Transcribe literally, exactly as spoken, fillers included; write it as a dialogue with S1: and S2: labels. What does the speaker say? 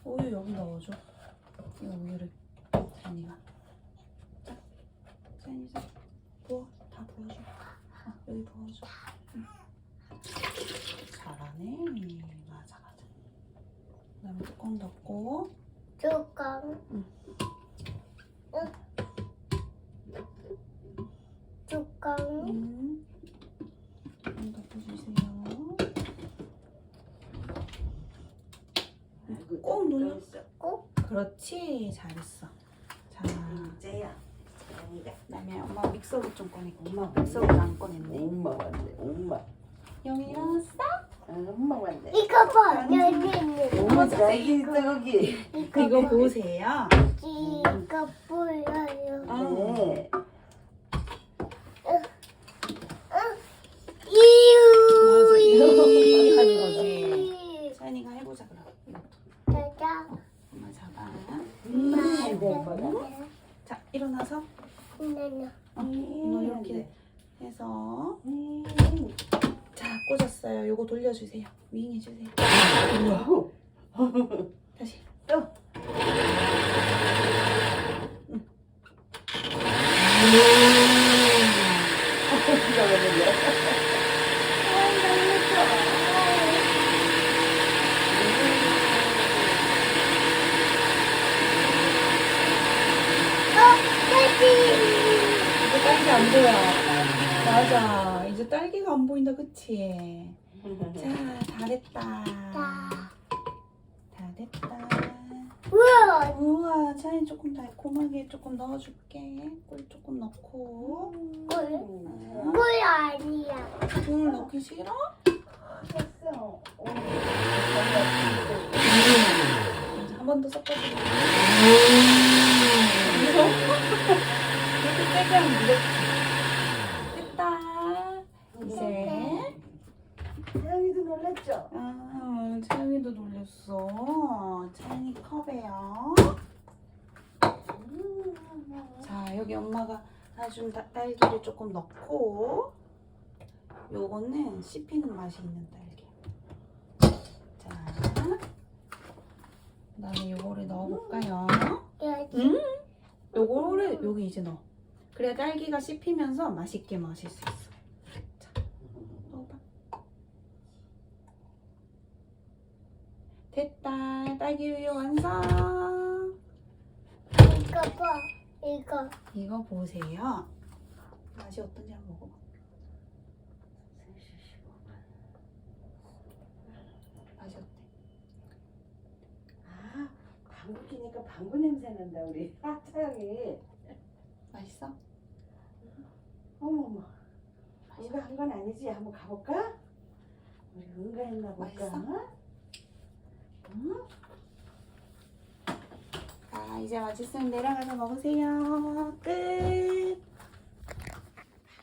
S1: 우유 여기 넣어줘. 이 우유를 자연이가. 자, 자연이 자 부어. 다 부어줘. 어, 여기 부어줘. 응. 잘하네. 맞아 맞아. 그다음에 뚜껑 덮고.
S2: 뚜껑.
S1: 응.
S2: 응. 뚜껑.
S1: 음. 뚜껑 덮어주세요. 꼭 눌러.
S2: 꼭.
S1: 그렇지. 잘했어. 자,
S3: 이제야. 아니다.
S1: 그다음에 엄마 믹서기 좀 꺼내고. 엄마 믹서기를 안 꺼냈네.
S3: 엄마 왔네. 엄마.
S1: 영이 일어났어?
S3: 아, 엄마 왔네.
S2: 이거 봐. 여기 있는.
S3: 엄마 잘 있어 거기.
S1: 이거 보세요.
S2: 이거 보여요.
S1: 아.
S3: 네.
S1: 맞아, 이거
S2: 이유.
S1: 하는 거지. 자연이가 해보자 그럼. 이것도.
S2: 짜자.
S1: 엄마 잡아.
S3: 음, 네,
S1: 자, 일어나서
S2: 나나.
S1: 어, 이거 이렇게 해서
S3: 음.
S1: 자, 꽂았어요. 요거 돌려주세요. 윙 해주세요.
S3: 우와.
S1: 다시.
S3: 또.
S1: 이제 딸기 안 보여. 맞아. 이제 딸기가 안 보인다, 그치? 자, 잘했다. 다 됐다.
S2: 우와.
S1: 우와, 차이 조금 달콤하게 조금 넣어줄게. 꿀 조금 넣고.
S2: 꿀.
S1: 아,
S2: 꿀 아니야.
S1: 꿀 넣기 싫어?
S3: 됐어.
S1: 한 번 더 섞어줄게. 이렇게 세게 하면 무겁지. 됐다. 이제.
S3: 태영이도 놀랐죠?
S1: 아, 채영이도 놀렸어. 채영이 컵에요. 자, 여기 엄마가 사준 다- 딸기를 조금 넣고, 요거는 씹히는 맛이 있는 딸기. 자, 그 다음에 요거를 넣어볼까요?
S2: 여기.
S1: 음? 요거를 여기 이제 넣어. 그래야 딸기가 씹히면서 맛있게 마실 수 있어. 자, 넣어봐. 됐다. 딸기 우유 완성.
S2: 이거 봐. 이거.
S1: 이거 보세요. 맛이 어떤지 한번 먹어봐. 맛이 어때?
S3: 아, 방구 끼니까 방구 냄새 난다 우리. 아, 태영이.
S1: 맛있어?
S3: 어머머. 응가한 건 아니지? 한번 가볼까? 우리 응가했나 볼까?
S1: 맛있어?
S3: 응?
S1: 자, 이제 맛있으면 내려가서 먹으세요. 끝.